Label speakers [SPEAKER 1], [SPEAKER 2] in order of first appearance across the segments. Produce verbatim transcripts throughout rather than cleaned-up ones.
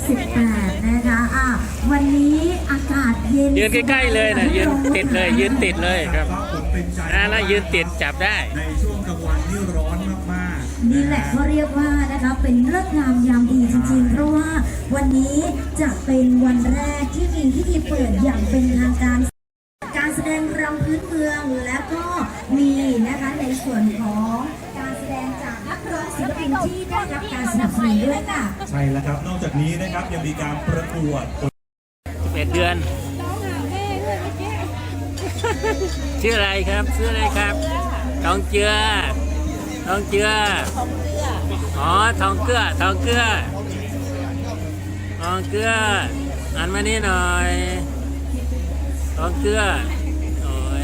[SPEAKER 1] สิบแปดนะคะอ่ะวันนี้อากาศเย็น
[SPEAKER 2] ยืนใกล้ๆเลยนะยืนติดเลยยืนติดเลยครับอ่าแล้วยืนติดจับได้
[SPEAKER 3] ในช่วงกลางวันที่ร้อนมากๆ
[SPEAKER 1] นี่แหละเขาเรียกว่านะคะเป็นฤกษ์งามยามดีจริงๆเพราะว่าวันนี้จะเป็นวันแรกที่มีพิธีเปิดอย่างเป็นทางการการแสดงรำพื้นเมืองและก็มีนะคะในส่วนของการแสดงจากนักร้องศิลปินที่ได้รับการสนับสนุนด้วยค่ะ
[SPEAKER 3] ใช่แล้วครับนอกจากนี้นะครับยังมีการประกวด
[SPEAKER 2] สิบเอ็ดเดือนชื่ออะไรครับชื่ออะไรครับทองเจือทองเจืออ๋อทองเกลือทองเกลือทองเกลืออ่านมานี่หน่อยทองเกลือโอ้ย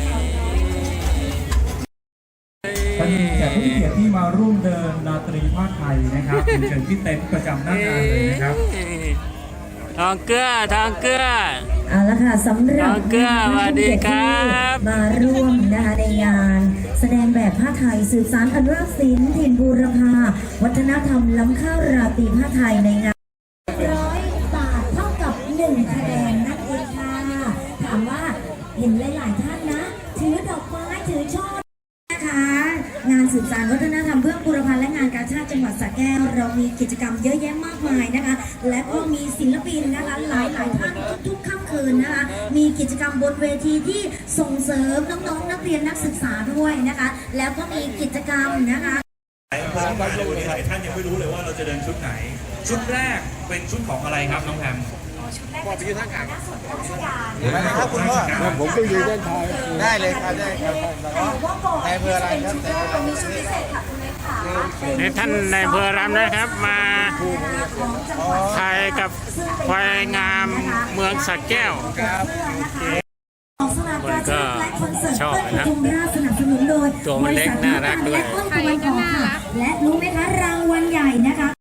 [SPEAKER 3] เป็นแขกผู้มีเกียรติที่มาร่วมเดินดนตรีภาคไทยนะครับเชิญที่เต็นท์ประจำหน้างานเลยนะครับ
[SPEAKER 2] ทองเกลือทองเกลือ
[SPEAKER 1] เอาละค่ะสำหรับ
[SPEAKER 2] เกลือสวัสดีครับ
[SPEAKER 1] มาร่วมนะคะในงานแสดงแบบผ้าไทยสืบสานอนุรักษ์ศิลป์ถิ่นบูรพาวัฒนธรรมล้ำค่าราตรีผ้าไทยในงานร้อยบาทเท่ากับหนึ่งคะแนนนั่นเองค่ะถามว่าเห็นหลายๆท่านนะถือดอกไม้ถือช่อนะคะงานสืบสานวัฒนธรรมเพื่อบูรพาและงานกาชาดจังหวัดสระแก้วเรามีกิจกรรมเยอะแยะมากมายนะคะและก็มีศิลปินนะคะหลายหลายท่านทุกๆค่ำคืนนะคะมีกิจกรรมบนเวทีที่ส่งเสริมน้องๆนักเรียนนักศึกษาด้วยนะคะแล้วก็มีกิจกรรมนะคะ
[SPEAKER 3] หลายท่านวันนี้หลายท่านยังไม่รู้เลยว่าเราจะเดินชุดไหนชุดแรกเป็นชุดของอะไรครับน้องแพม
[SPEAKER 1] ชุดแรกเป็นชุดของนักสนราชการ
[SPEAKER 4] ครับคุณพ่อผมก็ยืนด้านท้ายได้เลยครับได้ครับ
[SPEAKER 1] แต่ว่าก่อนที่จะเป็นชุดแรกเรามีชุดพิเศษค่ะคุณเล็กค่ะ
[SPEAKER 2] ในท่านในอำเภอรำนะครับมาถ่ายกับควายงามเมืองสระแก้ว
[SPEAKER 1] คนก็ชอบนะ
[SPEAKER 2] ตัวมันเล็กน่ารักด้วย
[SPEAKER 1] และรู้ไหมคะรางวัลใหญ่นะคะ